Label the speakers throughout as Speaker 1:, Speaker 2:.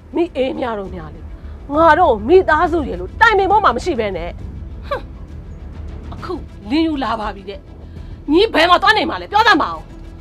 Speaker 1: မိအေးများတော့များလေငါတော့မိသားစုရေလို့တိုင်ပင်ပေါ်မှာမရှိပဲနဲ့ဟမ်အခုလင်းယူလာပါပြီတဲ့ညီဘယ်မှာသွားနေမှာလဲပြောတတ်မအောင်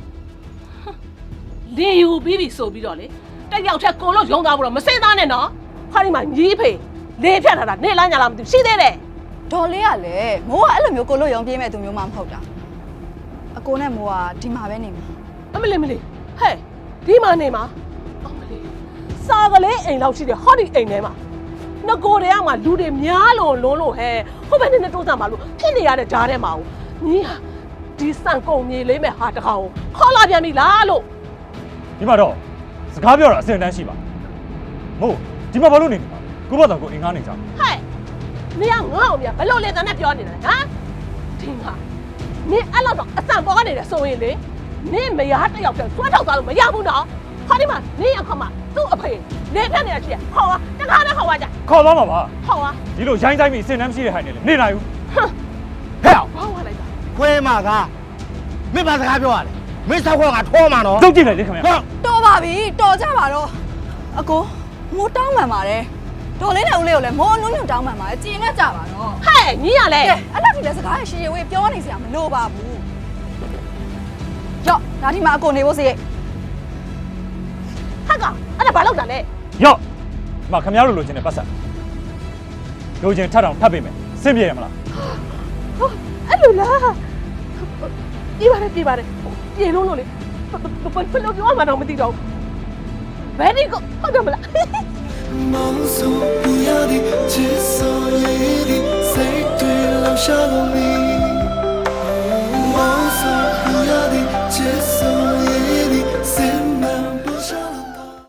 Speaker 1: လင်းယူပြီးပြီဆိုပြီးတော့လေတက်ရောက်ချက်ကိုလို့ရုံသားဖို့တော့မစိမ့်သားနဲ့နော်ခါဒီမှာညီဖေလေဖြတ်ထားတာနေလားညာလားမသိဘူးရှိသေးတယ်
Speaker 2: ဒေါ်လေးကလည်းမိုးကအဲ့လိုမျိုးကိုလို့ရုံပြေးမဲ့သူမျိုးမှမဟုတ်တာအကိုနဲ့မိုးကဒီမှာပဲနေမှာ
Speaker 1: အမလေးဟဲ့ဒီမှာနေမှာအမလေးစာကလေးအိမ်လောက်ရှိတယ်ဟောဒီအိမ်ထဲမှာငကိုတွေကမှလူတွေများလို့လုံးလို့ဟဲ့ဟိုဘက်နဲ့တိုးစားပါလို့ဖြစ်နေရတဲ့ဂျားထဲမှာညီဟာဒီစံကုန်မြေလေးမဲ့ဟာတခါကိုခေါ်လာပြန်ပြီလားလို့
Speaker 3: ဒီမှာတော့စကားပြောတာအစင်တန်းရှိပါမို့ဒီမှာဘာလို့နေမှာကိုဘတော်ကိုအင်ကားနေကြ
Speaker 1: ဟဲ့နေကငါ့အောင်မြဘလို့လေတန်းနဲ့ပြောနေတယ်ဟမ်ဒီမှာနင်အဲ့လောက်တော့အစံပေါ်ကနေတယ်ဆိုရင်လေနင်မယားတစ်ယောက်တည်းဆွဲထုတ်သွားလို့မရဘူးနော်ခါဒီမှာနင်ရခမသူ့အဖေလေဖြတ်နေတာရှိရဟောပါတခါနဲ့ဟောပါကြ
Speaker 3: ခေါ်သွားမှာပါ
Speaker 1: ဟောပါ
Speaker 3: ဒီလိုရိုင်းဆိုင်ပြီးအစင်တန်းမရှိတဲ့ဟိုင်နေလေနေနိုင်ဘူး
Speaker 1: ဟမ်
Speaker 4: ဟဲ့အောင်
Speaker 1: ဘာဝလိုက်တာ
Speaker 4: ခွဲမှာကမင်းဘာစကားပြောရလဲမင်းဆောက်ခွက်ကထောမှာနော်
Speaker 3: တုတ်ကြည့်လိုက်လေခင်ဗျာ
Speaker 2: တော်ပါပြီတော်ကြပါတော့အကိုမိုးတောင်းမှန်ပါတယ်ဒေါ်လေးနဲ့ဦးလေးကိုလည်းမိုးအနုညွတ်တောင်းမှန်ပါတယ်ကြင်ကကြပါတော့
Speaker 1: ဟဲ့ညီရလဲ
Speaker 2: အဲ့လောက်ထိလည်းစကားရှည်ရှည်ဝေးပြောနေစရာမလိုပါဘူးရော့ဒါဒီမှာအကိုနေဖို့စီ
Speaker 1: ဟက်ကအဲ့ဒါဘာလောက်တာလဲ
Speaker 3: ရော့ဒီမှာခင်ဗျားတို့လိုချင်တဲ့ပတ်စံလိုချင်ထပ်အောင်ထပ်ပေးမယ်စင်ပြေရမလား
Speaker 1: အဲ့လိုလားပြေးပါတယ်ပြေလုံးလို့လေဘယ်လိုပြောမှတော့မသိတော့ဘယ်ဒီကိုဟုတ်တယ်မလား
Speaker 5: 梦送不要的，至少也一定，谁对留下了你。